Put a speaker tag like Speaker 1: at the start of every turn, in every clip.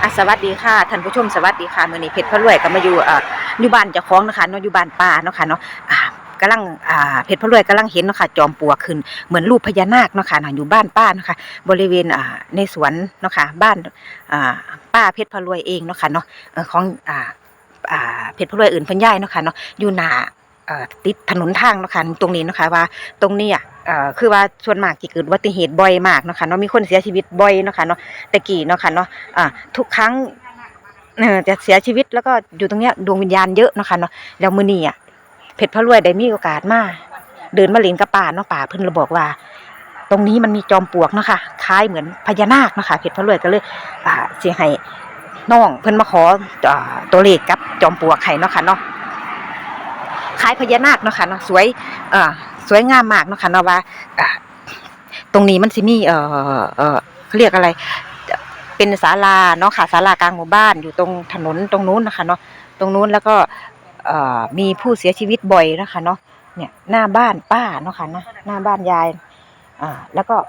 Speaker 1: สวัสดีค่ะท่านผู้ชมสวัสดีค่ะมื้อนี้เพชรพระรวยก็มาอยู่บ้านเจ้าของนะคะเนาะอยู่บ้านป้าเนาะค่ะเนาะกำลังเพชรพระรวยกำลังเห็นเนาะค่ะจอมปลวกขึ้นเหมือนรูปพญานาคเนาะค่ะอยู่บ้านป้าเนาะค่ะบริเวณในสวนเนาะค่ะบ้านป้าเพชรพระรวยเองเนาะค่ะเนาะของเพชรพระรวยอื่นเพิ่นย้ายเนาะค่ะเนาะอยู่หน้าติดถนนทางเนาะค่ะตรงนี้เนาะค่ะว่าตรงนี้คือว่าส่วนมากที่เกิดอุบัติเหตุบ่อยมากเนาะค่ะเนาะมีคนเสียชีวิตบ่อยเนาะค่ะเนาะแต่กี้เนาะค่ะเนาะทุกครั้งจะเสียชีวิตแล้วก็อยู่ตรงเนี้ยดวงวิญญาณเยอะเนาะค่ะเนาะแล้วมื้อนี้เพชรพระรวยได้มีโอกาสมาเดินมาเล่นกับป่าเนาะป่าเพิ่นเลยบอกว่าตรงนี้มันมีจอมปลวกเนาะค่ะคล้ายเหมือนพญานาคเนาะค่ะเพชรพระรวยก็เลยสิให้น้องเพิ่นมาขอตัวเลขกับจอมปลวกให้เนาะค่ะเนาะคล้ายพญานาคเนาะค่ะเนาะสวยงามมากเนาะค่ะเนาะว่าตรงนี้มันสิมีเขาเรียกอะไรเป็นศาลาเนาะค่ะศาลากลางหมู่บ้านอยู่ตรงถนนตรงนู้นนะคะเนาะตรงนู้นแล้วก็มีผู้เสียชีวิตบ่อยนะคะเนาะเนี่ยหน้าบ้านป้าเนาะค่ะนะหน้าบ้านยายแล้วก็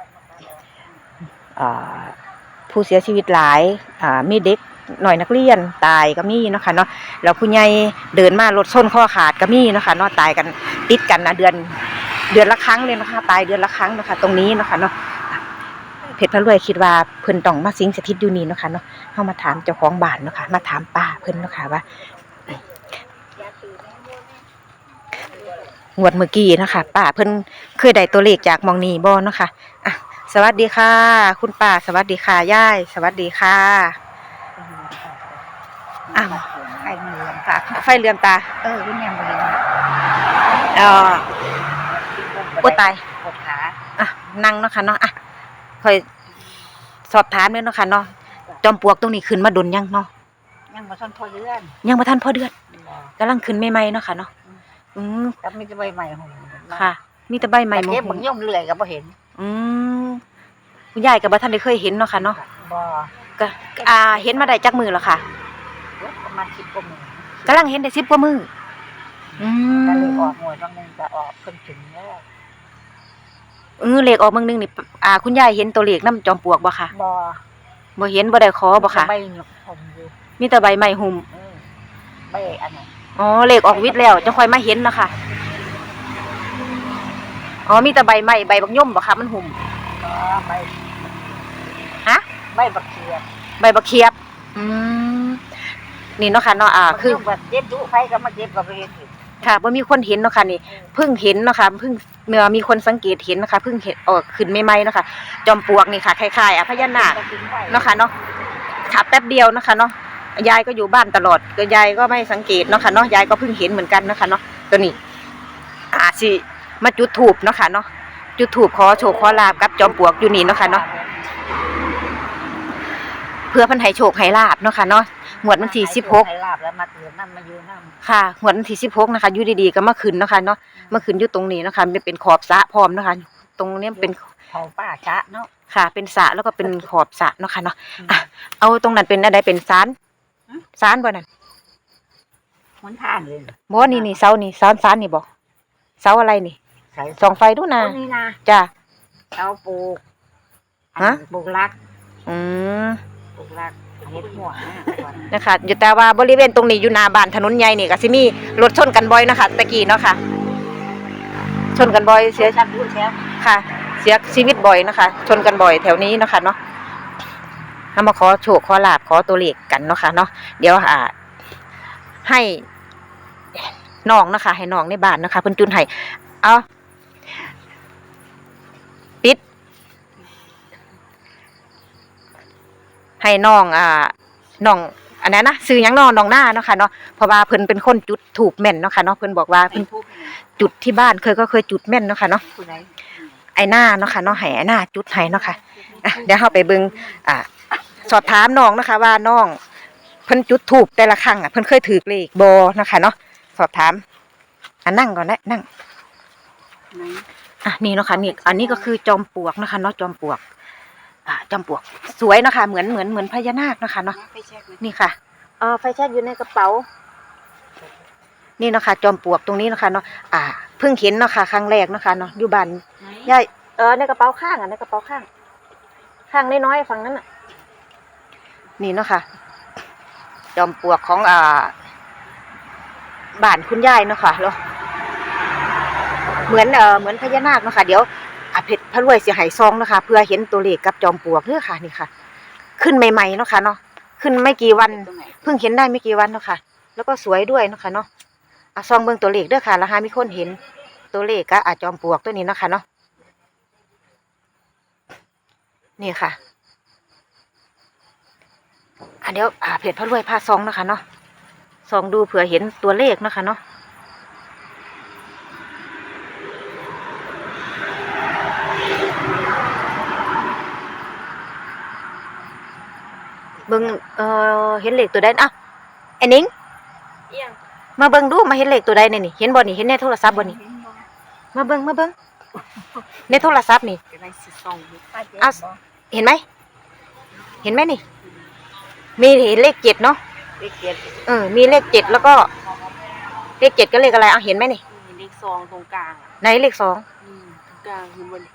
Speaker 1: ผู้เสียชีวิตหลายมีเด็กหน่อยนักเรียนตายก็มีเนาะค่ะเนาะแล้วผู้ใหญ่เดินมารถชนข้อขาดก็มีเนาะค่ะเนาะตายกันติดกันนะเดือนละครั้งเลยนะคะตายเดือนละครั้งเนาะค่ะตรงนี้เนาะค่ะเนาะเพชรพระรวยคิดว่าเพิ่นต้องมาสิงสถิตอยู่นี่เนาะค่ะเนาะเฮามาถามเจ้าของบ้านเนาะค่ะมาถามป้าเพิ่นเนาะค่ะว่างวดเมื่อกี้นะคะป้าเพิ่นเคยได้ตัวเลขจากมองนี้บ่เนาะค่ะสวัสดีค่ะคุณป้าสวัสดีค่ะยายสวัสดีค่ะ
Speaker 2: ไฟเหลือมตา
Speaker 1: ไฟเลื่อมตา
Speaker 2: วิญญาณบริวาร
Speaker 1: โอ้ตาย
Speaker 2: ปวดขา
Speaker 1: นั่งเนาะค่ะเนาะค่อยสอบถามเลยเนาะค่ะเนาะจอมปลวกตรงนี้ขึ้นมาดนยังเนาะ
Speaker 2: ยังบ่ทันพอเดือน
Speaker 1: ยังบ่ทันพอเดือนกำลังขึ้นใหม่ๆเนาะค่ะเนาะ
Speaker 2: ก็มีแต่ใบใหม่หง
Speaker 1: ค่ะมีแต่ใบใหม่
Speaker 2: เก็บบางย่อมเลื่อยก็บ่เห็น
Speaker 1: คุณยายก็บ่ทันได้เคยเห็นเนาะค่ะเนาะ
Speaker 2: บ่
Speaker 1: ก็เห็นมาได้จักมื้อแล้วค่ะ
Speaker 2: ประมาณ10กว่ามื้อก
Speaker 1: ำลังเห็นได้10กว่ามื้อ
Speaker 2: ก็เลยออกหวยบางนึงก็ออกเพิ่นถึงแล้ว
Speaker 1: เลขออกมื้อนึงนี่คุณยายเห็นตัวเลขนำจอมปลวกบ่ค่ะบ่เห็นบ่ได้ขอบ่ค่ะ
Speaker 2: ใบหยกผมอยู่
Speaker 1: มีแต่ใบไม้หุ่ม
Speaker 2: ใบอันนั้น
Speaker 1: เลขออกวิทย์แล้วจะค่อยมาเห็นนะคะมีแต่ใบไม้ใบบักย่อมบ่ค่ะมันหุ่ม
Speaker 2: ใบใบบักเขียบ
Speaker 1: ใบบักเขียบนี่เนาะค่ะเนาะคือ
Speaker 2: แบบเจ็บดุไผก็มาเจ็บก็บ่เห็น
Speaker 1: ค่ะบ่มีคนเห็นเนาะค่ะนี่เพิ่งเห็นเนาะค่ะเพิ่งมีคนสังเกตเห็นนะคะเพิ่งเห็นขึ้นใหม่ๆเนาะค่ะจอมปลวกนี่ค่ะคล้ายๆพญานาคเนาะค่ะเนาะค่ะแป๊บเดียวนะคะเนาะยายก็อยู่บ้านตลอดก็ยายก็ไม่สังเกตเนาะค่ะเนาะยายก็เพิ่งเห็นเหมือนกันนะคะเนาะตัวนี้สิมาจุดธูปเนาะค่ะเนาะจุดธูปขอโชคขอลาภกับจอมปลวกอยู่นี่เนาะค่ะเนาะเพื่อเพิ่นให้โชคให้ลาภเนาะค่ะเนาะงวดวันที่16
Speaker 2: ให้ลาภแล้วมาเกิดนำมาอยู่นำ
Speaker 1: ค่ะงวดวันที่16นะคะอยู่ดีๆก็มาขึ้นเนาะค่ะเนาะมาขึ้นอยู่ตรงนี้เนาะค่ะมันเป็นขอบสระพร้อมเนาะค่ะตรงนี้เป็น
Speaker 2: เขาป้าชะเนาะ
Speaker 1: ค่ะเป็นสระแล้วก็เป็นขอบสระเนาะค่ะเนาะเอาตรงนั้นเป็นอะไรเป็นศาลบ่นั่น
Speaker 2: หนทางเลย
Speaker 1: บ่นี่เสานี่ศาลนี่บ่เสาอะไรนี่ส่องไฟดูนะ
Speaker 2: นี่นะ
Speaker 1: จ้ะ
Speaker 2: เสาปลูกปลูกรักปลูกรักเฮ็ดหัว
Speaker 1: นะคะอยู่แต่ว่าบริเวณตรงนี้อยู่หน้าบ้านถนนใหญ่นี่ก็สิมีรถชนกันบ่อยนะคะตะกี้เนาะค่ะชนกันบ่อยเสียค่ะเสียชีวิตบ่อยนะคะชนกันบ่อยแถวนี้เนาะค่ะเนาะถ้ามาขอโชคขอลาภขอตัวเลขกันเนาะค่ะเนาะเดี๋ยวให้น้องนะคะให้น้องในบ้านนะคะเพิ่นจุนให้ปิดให้น้องน้องอันนั้นนะซื้อหยังน้องหน้าเนาะค่ะเนาะเพราะว่าเพิ่นเป็นคนจุดถูกแม่นเนาะค่ะเนาะเพิ่นบอกว่าเพิ่นจุดที่บ้านเคยจุดแม่นเนาะค่ะเนาะไอ้หน้าเนาะค่ะเนาะให้ไอ้หน้าจุดให้เนาะค่ะเดี๋ยวเฮาไปเบิ่งสอบถามน้องนะคะว่าน้องเพิ่นจุดถูกแต่ละครั้งเพิ่นเคยถือเลขบ่นะคะเนาะสอบถามนั่งก่อนนะนั่งนี่เนาะค่ะนี่อันนี้ก็คือจอมปลวกนะคะเนาะจอมปลวกจอมปลวกสวยนะคะเหมือนพญานาคนะคะเนาะนี่ค่ะไฟแช็กอยู่ในกระเป๋านี่เนาะค่ะจอมปลวกตรงนี้นะคะเนาะเพิ่งเห็นเนาะค่ะครั้งแรกเนาะค่ะเนาะอยู่บ้านยายในกระเป๋าข้างในกระเป๋าข้างน้อยๆฝั่งนั้นนี่เนาะค่ะจอมปลวกของบ้านคุณยายเนาะค่ะแล้วเหมือนพญานาคเนาะค่ะเดี๋ยวเพชรพระรวยสิให้ซองเนาะค่ะเพื่อเห็นตัวเลขกับจอมปลวกเด้อค่ะนี่ค่ะ ขึ้นใหม่ๆเนาะค่ะเนาะขึ้นไม่กี่วันเพิ่งเห็นได้ไม่กี่วันเนาะค่ะ แล้วก็สวยด้วยเนาะค่ะเนาะซองเบิ่งตัวเลขเด้อค่ะแล้วหามีคนเห็นตัวเลขก็จอมปลวกตัวนี้เนาะค่ะเนาะนี่ค่ะเดี๋ยวเพจพระรวยพาซองเนาะค่ะเนาะซองดูเผื่อเห็นตัวเลขเนาะค่ะเนาะเบิ่งเห็นเลขตัวใดอ้าวไอ้นิ้งมาเบิ่งดูมาเห็นเลขตัวใดนี่เห็นบ่นี่เห็นในโทรศัพท์บ่นี่มาเบิ่งในโทรศัพท์นี่อ้าวเห็นไหมเห็นไหมนี่มีเห็นเลข7เนาะ
Speaker 2: เลขเจ็ด
Speaker 1: มีเลข7แล้วก็เลข7ก็เลขอะไรเห็นไหมนี่
Speaker 2: เลข2ตรงกลาง
Speaker 1: ไหนเลข2
Speaker 2: ตรงกลางคือบน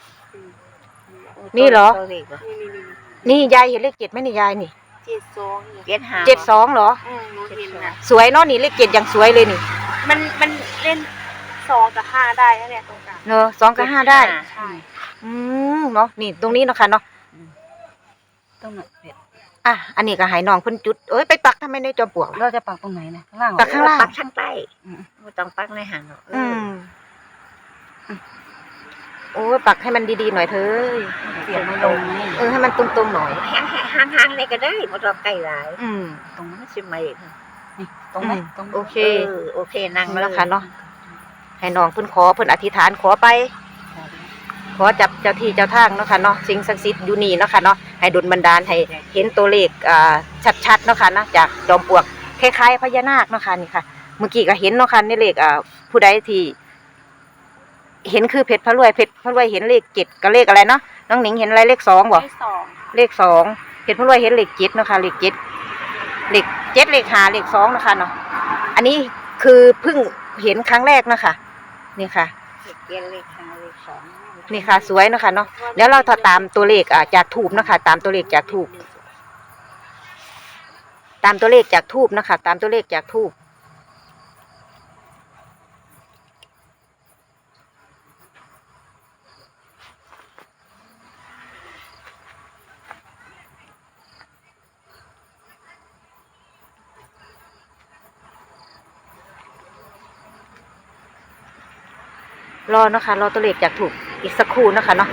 Speaker 1: นี่เหรอนี่ยายเห็นเลข7ไหมนี่ยายนี่72เหรอสวยเนาะนี่เลข7อย่างสวยเลยนี่
Speaker 2: มันเล่น2กับ5ได้เนี่ยตรงกลาง
Speaker 1: เนอะ2กับ5ได้
Speaker 2: ใช่
Speaker 1: เนาะนี่ตรงนี้เนาะค่ะเนาะ
Speaker 2: ตรงไหนเผ็ด
Speaker 1: อันนี้ก็ให้น้องเพิ่นจุดไปปักทำไมในจอมปลวก
Speaker 2: เราจะปักตรงไหนนะข้างล่าง
Speaker 1: ปักข้างล่าง
Speaker 2: ปักข้างใต้ไม่ต้องปักในหางหรอก
Speaker 1: ปักให้มันดีๆหน่อยเถอะ
Speaker 2: เสียบไม่ลง
Speaker 1: ให้มันตรงๆหน่อย
Speaker 2: ห่างๆเลยก็ได้ไม่ต้องใกล้หลายตรงนั้นใช่ไหมนี่ตรงไหน
Speaker 1: โอเค
Speaker 2: นั่ง
Speaker 1: แล้วค่ะเนาะให้น้องเพิ่นขอเพิ่นอธิษฐานขอไปขอจับเจ้าที่เจ้าทางเนาะค่ะเนาะสิ่งศักดิ์สิทธิ์อยู่นี่เนาะค่ะเนาะให้ดลบันดาลให้เห็นตัวเลขชัดๆเนาะค่ะนะจากจอมปลวกคล้ายๆพญานาคเนาะค่ะนี่ค่ะเมื่อกี้ก็เห็นเนาะค่ะในเลขผู้ใดที่เห็นคือเพชรพระรวยเห็นเลข7กับเลขอะไรเนาะน้องหนิงเห็นอะไรเลข2บ่เลข2เพชรพระรวยเห็นเลข7เนาะค่ะเลข7เลข5เลข2เนาะค่ะเนาะอันนี้คือเพิ่งเห็นครั้งแรกเนาะค่ะนี่ค่ะ
Speaker 2: เลข5เลข2
Speaker 1: นี่ค่ะสวยเนาะค่ะเนาะเดี๋ยวเราตามตัวเลขจากทูบเนาะค่ะตามตัวเลขจากทูบนะคะตามตัวเลขจากทูบรอเนาะค่ะรอตัวเลขจากทูบอีกสักครู่นะคะเนาะ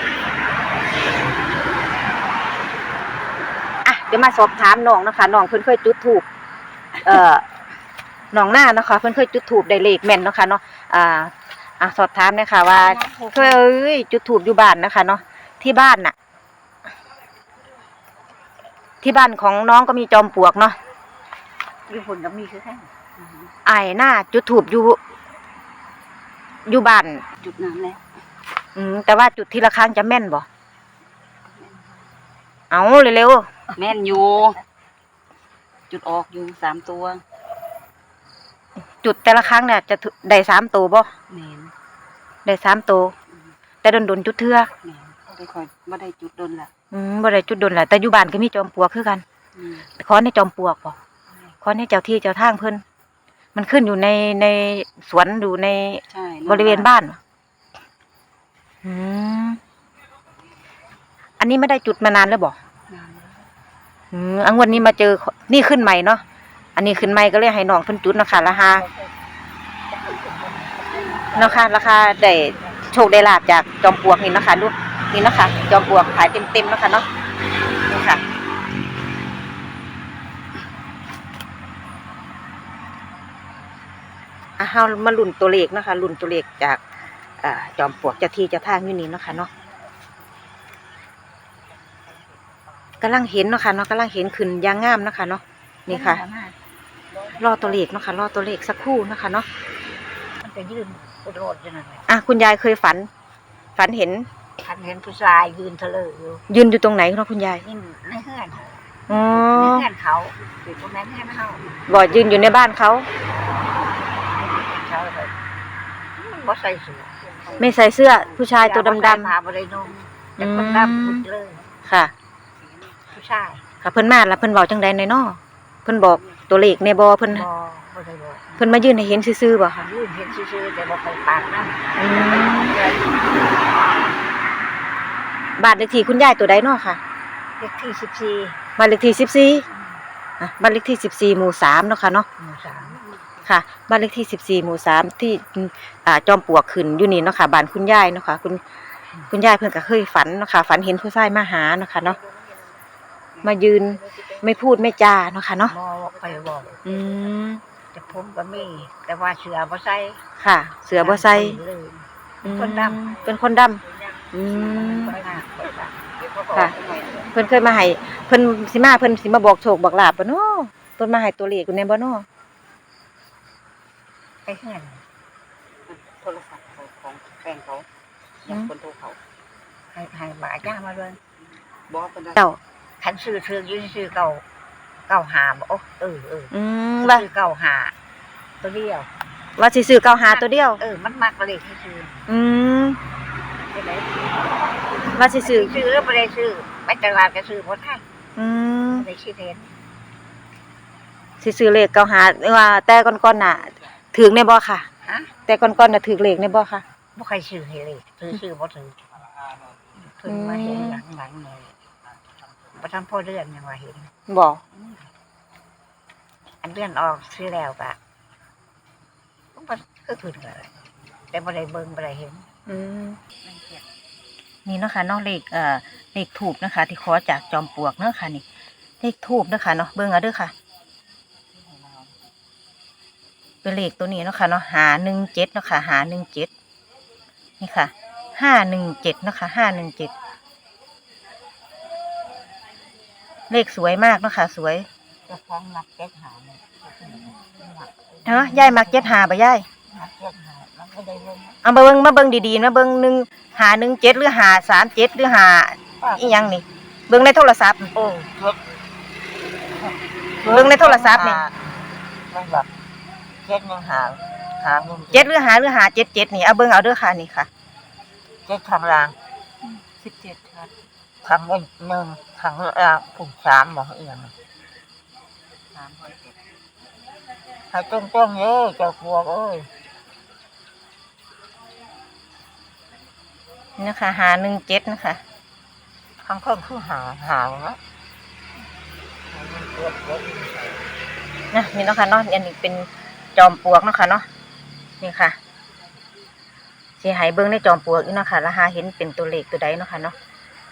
Speaker 1: เดี๋ยวมาสอบถามน้องนะคะน้องเพิ่นเคยจุดทูบน้องหน้านะคะเพิ่นเคยจุดทูบได้เลขแม่นเนาะค่ะเนาะสอบถามนะคะว่าเคยจุดทูบอยู่บ้านนะคะเนาะที่บ้านน่ะที่บ้านของน้องก็มีจอมปลวกเนาะ
Speaker 2: อยู่ผลก็มีคือแค่
Speaker 1: หน้าจุดทูบอยู่บ้าน
Speaker 2: จุดน้ำแล้ว
Speaker 1: แต่ว่าจุดทีละครั้งจะแม่นบ่เอาเร็ว
Speaker 2: แม่นอยู่จุดออกอยู่3ตัว
Speaker 1: จุดแต่ละครั้งเนี่ยจะได้3ตัวบ่
Speaker 2: แม่น
Speaker 1: ได้3ตัวแต่โดนจุดเทื่อ
Speaker 2: แม่นได้ค่อยบ่ได้จุดโดนละ
Speaker 1: บ่ได้จุดโดนละแต่อยู่บ้านก็มีจอมปลวกคือกันขอในจอมปลวกบ่ขอในเจ้าที่เจ้าทางเพิ่นมันขึ้นอยู่ในสวนอยู่ในบริเวณบ้านอันนี้ไม่ได้จุดมานานแล้วบ่งวดนี้มาเจอนี่ขึ้นใหม่เนาะอันนี้ขึ้นใหม่ก็เลยให้น้องเพิ่นจุดนะคะราคาได้โชคได้ลาภจากจอมปลวกนี่นะคะดูนี่นะคะจอมปลวกขายเต็มๆนะคะเนาะนี่ค่ะเฮามาลุ้นตัวเลขนะคะลุ้นตัวเลขจากจอมปลวกเจ้าที่เจ้าทางอยู่นี่เนาะค่ะเนาะกำลังเห็นเนาะค่ะเนาะกำลังเห็นขึ้นยางงามนะคะเนาะนี่ค่ะรอตัวเลขเนาะค่ะรอตัวเลขสักครู่นะคะเนาะ
Speaker 2: มันจะยืนโดดอยู่นั่นแหละ
Speaker 1: คุณยายเคยฝันเห็น
Speaker 2: ผู้ชายยืนเถลอ
Speaker 1: ยืนอยู่ตรงไหนเนาะคุณยาย
Speaker 2: ในเฮือนในเฮือนเขาอยู่ตรงนั้นเฮือนเขา
Speaker 1: บ่ยืนอยู่ในบ้านเขา
Speaker 2: บ่ใส่เสื้อ
Speaker 1: ไม่ใส่เสื้อผู้ชายตัวดำ
Speaker 2: ๆมาบ่ได้นุ่งแต่คนดำพุดเลย
Speaker 1: ค่ะ
Speaker 2: ผู้ชาย
Speaker 1: ค่ะเพิ่นมาแล้วเพิ่นเว้าจังใดในน้อเพิ่นบอกตัวเลขแน่บ่เพิ่น
Speaker 2: บ่ได้บอก
Speaker 1: เพิ่นมายืนให้เห็นซื่อๆบ่ค่ะ
Speaker 2: ยืนเห็นซื่อๆแต่บ่เคยปากนำ
Speaker 1: อืมบ้านเลขที่คุณยายตัวใดเนาะค่ะ
Speaker 2: เลขที่14
Speaker 1: บ้านเลขที่14บ้านเลขที่14หมู่3เนาะค่ะเนาะ
Speaker 2: หมู่3
Speaker 1: ค่ะบ้านเลขที่14หมู่3ที่จอมปลวกขึ้นอยู่นี่เนาะค่ะบ้านคุณยายเนาะค่ะคุณยายเพิ่นก็เคยฝันเนาะค่ะฝันเห็นผู้ชายมาหาเนาะค่ะเนาะมายืนไม่พูดไม่จาเนาะค่ะเนาะ
Speaker 2: บ่ไปบอก
Speaker 1: อืม
Speaker 2: แต่ผมก็มีแต่ว่าเสือบ่ใส่
Speaker 1: ค่ะ เสือบ่ใส่
Speaker 2: เลย
Speaker 1: อืม
Speaker 2: คนด
Speaker 1: เป็นคนดำอืม
Speaker 2: คนหน้าคนดำ
Speaker 1: ค่ะ เพิ่นเคยมาให้เพิ่นสิมาบอกโชคบอกลาบบ่เนาะเพิ่นมาให้ตัวเลขอยู่ในบ่เนาะ
Speaker 2: ไปเฮือน
Speaker 3: โทรศัพท์ของแฟนเขายังคนโทรเขา
Speaker 2: ให้บาจ้ามาเลย
Speaker 3: บอกกันได้
Speaker 1: เจ้า
Speaker 2: คันซื้ออยู่ซื้อเก่าหาบ่เออ
Speaker 1: อืมว่า
Speaker 2: ซื้อเก่าหาตัวเดียว
Speaker 1: ว่าสิซื้อ95ตัวเดียว
Speaker 2: มันมักเลยที่ซื้อ
Speaker 1: อืม
Speaker 2: ไปไหน
Speaker 1: ว่าสิซื้อ
Speaker 2: ซื้อบ่ได้ซื้อไปตลาดก็ซื้อบ่ทัน
Speaker 1: อืม
Speaker 2: บ่ได้คิดเห็น
Speaker 1: สิซื้อเลข95ว่าแต่ก่อนๆน่ะถึงแน่บ่ค่ะ
Speaker 2: ฮะ
Speaker 1: แต่ก่อนๆน่ะถึกเลขแน่บ่ค่ะ
Speaker 2: บ่ใครซื้อให้เลยซื้อบ่ถือเพิ่นมาเห็นหลังๆเลยบ่ทันพอเดือนยังว่าเห็น
Speaker 1: บ่
Speaker 2: อันเดือนออกซื้อแล้วก็มันก็ขึ้นเลยแต่บ่ได้เบิ่งบ่ได้เห็น
Speaker 1: อืมนี่เนาะค่ะเนาะเลขทูบนะคะ ที่ขอจากจอมปลวกเนาะค่ะนี่เลขทูบเนาะค่ะเนาะเบิ่งเอาเด้อค่ะ เป็นเลขตัวนี้เนาะค่ะเนาะ517เนาะค่ะ517นี่ค่ะ517เนาะค่ะ517เลขสวยมากเนาะค่ะสวย
Speaker 2: เจ้าของนักเก็ตหาเนี่ย
Speaker 1: เนาะยายมัก75บ่ยาย
Speaker 2: นักเก็ตหามันก็ได้เบิ่ง
Speaker 1: เอามาเบิ่งดีๆมาเบิ่ง517หรือ537หรือ5อีหยังนี่เบิ่งในโทรศัพท์
Speaker 2: โอ้เก็ต
Speaker 1: เบิ่งในโทรศัพท์นี่
Speaker 2: มันแบบเก็ตยังหาเงิน
Speaker 1: 7หรือ577นี่เอาเบิ่งเอาเด้อค่ะนี่ค่ะ
Speaker 2: เก็ตข้างล่าง
Speaker 1: 17ค่ะ
Speaker 2: ข้างบน1ข้างล่างผูก3บ่เอียงให้ตรงๆเด้อเจ้าพวกเอ้ย
Speaker 1: นี่นะคะ517นะคะ
Speaker 2: ข้างคนคือหาเนาะ
Speaker 1: นะนี่เนาะค่ะเนาะอันนี้เป็นจอมปลวกเนาะค่ะเนาะนี่ค่ะสิให้เบิ่งในจอมปลวกอยู่เนาะค่ะแล้วหาเห็นเป็นตัวเลขตัวใดเนาะค่ะเนาะ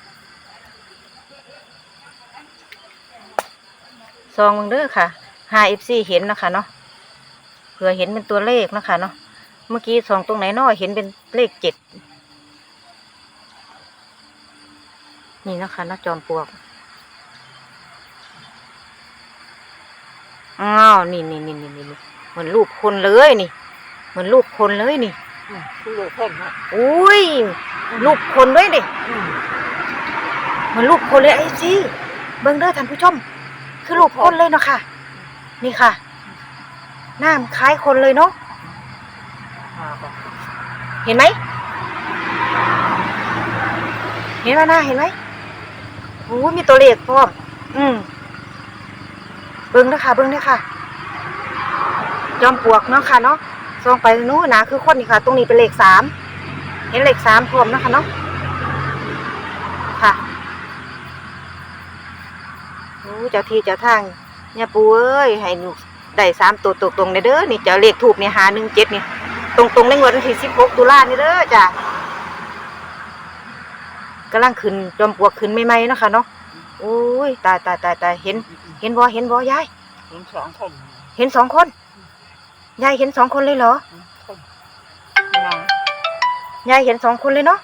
Speaker 1: ซองเบิ่งเด้อค่ะ5FC เห็นเนาะค่ะเนาะเผื่อเห็นเป็นตัวเลขเนาะค่ะเนาะเมื่อกี้ส่องตรงไหนเนาะเห็นเป็นเลข7นี่เนาะค่ะเนาะจอมปลวกอ้าวนี่เหมือนรูปคนเลยนี่เหมือนรูปคนเลยนี่
Speaker 2: คือเพิ่นเนาะ
Speaker 1: อุ้ยรูปคนด้วยดิเหมือนรูปคนเลยไอ้ซี่เบิ่งเด้อท่านผู้ชมคือรูปคนเลยเนาะค่ะ นี่ค่ะหน้ามันคล้ายคนเลยเนาะเห็นไหมเห็นไหมหน้าเห็นไหมโอ้มีตัวเลขพร้อมเบิ่งเด้อค่ะเบิ่งเด้อค่ะจอมปลวกเนาะค่ะเนาะส่องไปนู้นนะคือคนนี่ค่ะ ตรงนี้เป็นเลข3เห็นเลข3พร้อมเนาะค่ะเนาะค่ะโอ้เจ้าที่เจ้าทางเนี่ยปู่เอ้ยให้หนูได้3ตัวตรงๆเด้อนี่เจ้าเลขทูปนี่517นี่ตรงๆในงวดวันที่16ตุลานี่เด้อจ้ะกำลังขึ้นจอมปลวกขึ้นใหม่ๆเนาะค่ะเนาะโอ้ยตายเห็นบ่ยาย
Speaker 2: เห็น2คน
Speaker 1: เห็น2 คนยายเห็น2 คนเลยเหรอ
Speaker 2: คนนาง
Speaker 1: ยายเห็น2 คนเลยเนาะ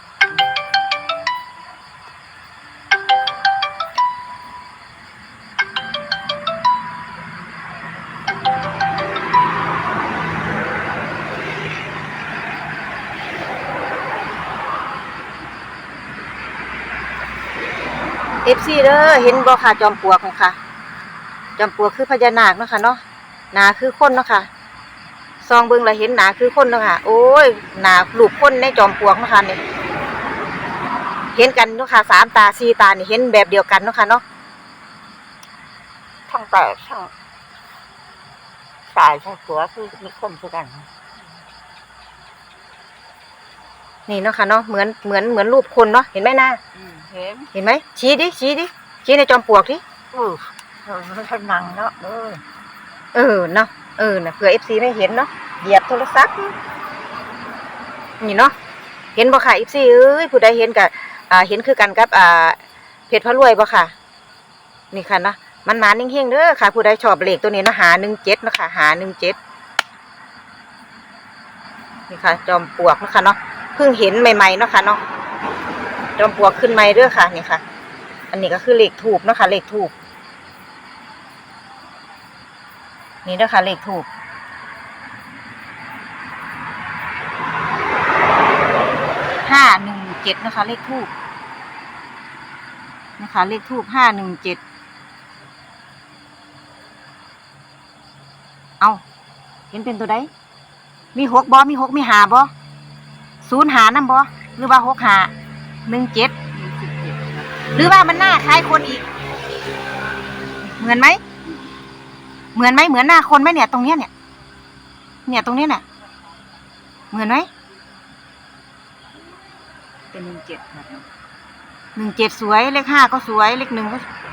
Speaker 1: FC เด้อเห็นบ่ค่ะจอมปลวกค่ะจอมปลวกคือพญานาคเนาะค่ะเนาะหน้าคือคนเนาะค่ะซองเบิ่งแล้วเห็นหน้าคือคนเนาะค่ะโอ้ยหน้ารูปคนในจอมปลวกเนาะค่ะนี่เห็นกันเนาะค่ะ3 ตา 4 ตานี่เห็นแบบเดียวกันเนาะค่ะเนาะ
Speaker 2: ทั้งแต่ทั้งตายใช่ตัวคือมีคนคือกัน
Speaker 1: นี่เนาะค่ะเนาะเหมือนรูปคนเนาะเห็นไหมนา
Speaker 2: เห็น
Speaker 1: ไหมชี้ดิชี้ในจอมปลวกดิ
Speaker 2: ท่านนั่งเนาะ
Speaker 1: เนาะน่ะเผื่อ FC ไม่เห็นเนาะเหยียบโทรศัพท์นี่เนาะเห็นบ่ค่ะ FC เอ้ยผู้ใดเห็นก็เห็นคือกันกับเพชรพระรวยบ่ค่ะนี่ค่ะเนาะมันมานิ่งๆเด้อค่ะผู้ใดชอบเลขตัวนี้เนาะหา17เนาะค่ะหา17นี่ค่ะจอมปลวกเนาะค่ะเนาะเพิ่งเห็นใหม่ๆเนาะค่ะเนาะจอมปลวกขึ้นใหม่เด้อค่ะนี่ค่ะอันนี้ก็คือเลขทูปเนาะค่ะเลขทูปนี่เด้อค่ะเลขทูป517นะคะเลขทูปนะคะเลขทูป517เอาเห็นเป็นตัวใดมี6บ่มี6มี5บ่0หานำบ่หรือว่า6หา17หรือว่ามันหน้าคล้ายคนอีกเหมือนไหมเหมือนหน้าคนไหมเนี่ยตรงเนี้ยเนี่ยตรงเนี้ยน่ะเหมือนไหม
Speaker 3: เป็น17ครับ
Speaker 1: 17สวยเลข5ก็สวยเลข1ก็